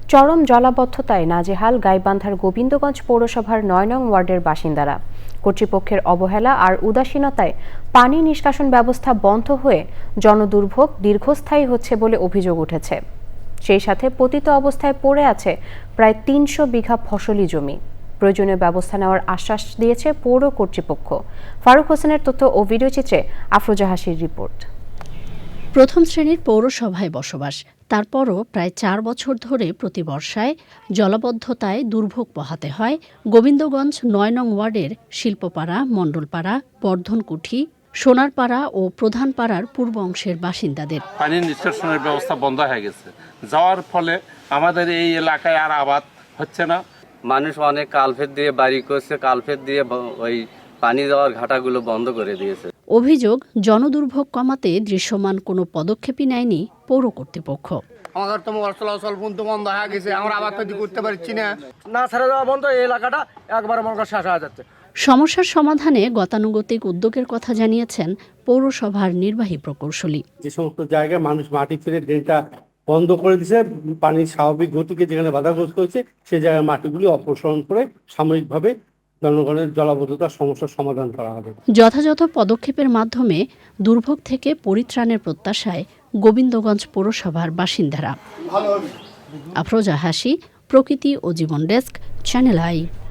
চরম জলাবদ্ধতায় নাজেহাল গাইবান্ধার গোবিন্দগঞ্জ পৌরসভার ৯ নং ওয়ার্ডের বাসিন্দারা। কর্তৃপক্ষের অবহেলা আর উদাসীনতায় পানি নিষ্কাশন ব্যবস্থা বন্ধ হয়ে জনদুর্ভোগ দীর্ঘস্থায়ী হচ্ছে বলে অভিযোগ উঠেছে। সেই সাথে পতিত অবস্থায় পড়ে আছে প্রায় ৩০০ বিঘা ফসলি জমি। প্রয়োজনীয় ব্যবস্থা নেওয়ার আশ্বাস দিয়েছে পৌর কর্তৃপক্ষ। ফারুক হোসেনের তথ্য ও ভিডিওচিত্রে আফরোজা হাসির রিপোর্ট। প্রথম শ্রেণীর পৌরসভায় বসবাস, তারপরও প্রায় ৪ বছর ধরে প্রতি বর্ষায় জলাবদ্ধতায় দুর্ভোগ পোহাতে হয় গোবিন্দগঞ্জ ৯ নং ওয়ার্ডের শিল্পপাড়া, মণ্ডলপাড়া, বর্ধনকুঠি, সোনারপাড়া ও প্রধানপাড়ার পূর্ব অংশের বাসিন্দাদের। পানির নিষ্কাশনের ব্যবস্থা বন্ধ হয়ে গেছে, যাওয়ার ফলে আমাদের এই এলাকায় আর আবাদ হচ্ছে না। মানুষ অনেক কালভেট দিয়ে বাড়ি করছে, কালভেট দিয়ে ওই পানি যাওয়ার ঘাটাগুলো বন্ধ করে দিয়েছে। অভিযোগ, জনদুর্ভোগ কমাতে দৃশ্যমান কোনো পদক্ষেপই নেয়নি পৌর কর্তৃপক্ষ। আমাদের তো মোবাইল চলাচল বন্ধ হয়ে গেছে, আমরা আবার তৈরি করতে পারছি না ছেড়ে দেওয়া বন্ধ, এই এলাকাটা একবার আমার শেষ হয়ে যাচ্ছে। সমস্যার সমাধানে গতানুগতিক উদ্যোগের কথা জানিয়েছেন পৌরসভার নির্বাহী প্রকৌশলী। যে সমস্ত জায়গায় মানুষ মাটি ফেলে ড্রেনটা বন্ধ করে দিয়েছে, পানির স্বাভাবিক গতিকে যেখানে বাধাগ্রস্ত হয়েছে সেই জায়গায় মাটিগুলি অপসারণ করে সাময়িকভাবে জনগণের জলাবদ্ধতার সমস্যার সমাধান করা হবে। যথাযথ পদক্ষেপের মাধ্যমে দুর্ভোগ থেকে পরিত্রাণের প্রত্যাশায় গোবিন্দগঞ্জ পৌরসভার বাসিন্দারা। আফরোজা হাসি, প্রকৃতি ও জীবন ডেস্ক, চ্যানেল আই।